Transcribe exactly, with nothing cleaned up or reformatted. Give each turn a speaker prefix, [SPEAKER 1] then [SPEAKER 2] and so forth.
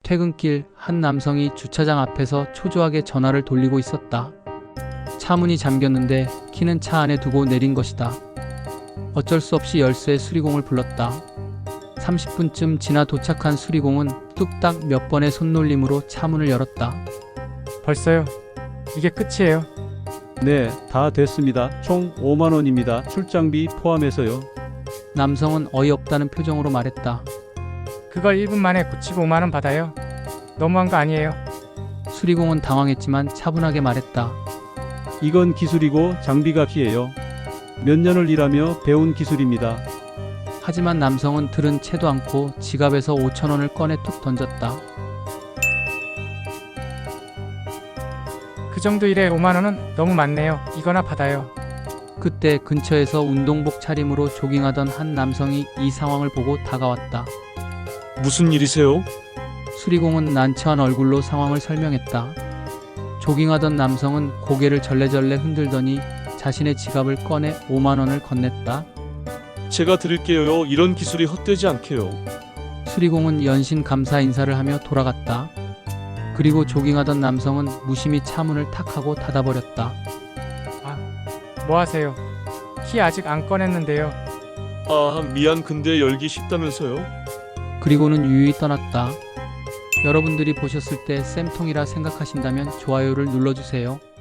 [SPEAKER 1] 퇴근길 한 남성이 주차장 앞에서 초조하게 전화를 돌리고 있었다. 차 문이 잠겼는데 키는 차 안에 두고 내린 것이다. 어쩔 수 없이 열쇠 수리공을 불렀다. 삼십 분쯤 지나 도착한 수리공은 뚝딱 몇 번의 손놀림으로 차 문을 열었다.
[SPEAKER 2] 벌써요? 이게 끝이에요?
[SPEAKER 3] 네, 다 됐습니다. 총 오만 원입니다. 출장비 포함해서요.
[SPEAKER 1] 남성은 어이없다는 표정으로 말했다.
[SPEAKER 2] 그걸 일 분 만에 고치고 오만 원 받아요? 너무한 거 아니에요?
[SPEAKER 1] 수리공은 당황했지만 차분하게 말했다.
[SPEAKER 3] 이건 기술이고 장비값이에요. 몇 년을 일하며 배운 기술입니다.
[SPEAKER 1] 하지만 남성은 들은 채도 않고 지갑에서 오천 원을 꺼내 툭 던졌다.
[SPEAKER 2] 그 정도 일에 오만 원은 너무 많네요. 이거나 받아요.
[SPEAKER 1] 그때 근처에서 운동복 차림으로 조깅하던 한 남성이 이 상황을 보고 다가왔다.
[SPEAKER 4] 무슨 일이세요?
[SPEAKER 1] 수리공은 난처한 얼굴로 상황을 설명했다. 조깅하던 남성은 고개를 절레절레 흔들더니 자신의 지갑을 꺼내 오만 원을 건넸다.
[SPEAKER 4] 제가 드릴게요. 이런 기술이 헛되지 않게요.
[SPEAKER 1] 수리공은 연신 감사 인사를 하며 돌아갔다. 그리고 조깅하던 남성은 무심히 차 문을 탁 하고 닫아버렸다.
[SPEAKER 2] 아, 뭐 하세요? 키 아직 안 꺼냈는데요.
[SPEAKER 4] 아, 미안. 근데 열기 쉽다면서요?
[SPEAKER 1] 그리고는 유유히 떠났다. 여러분들이 보셨을 때 쌤통이라 생각하신다면 좋아요를 눌러주세요.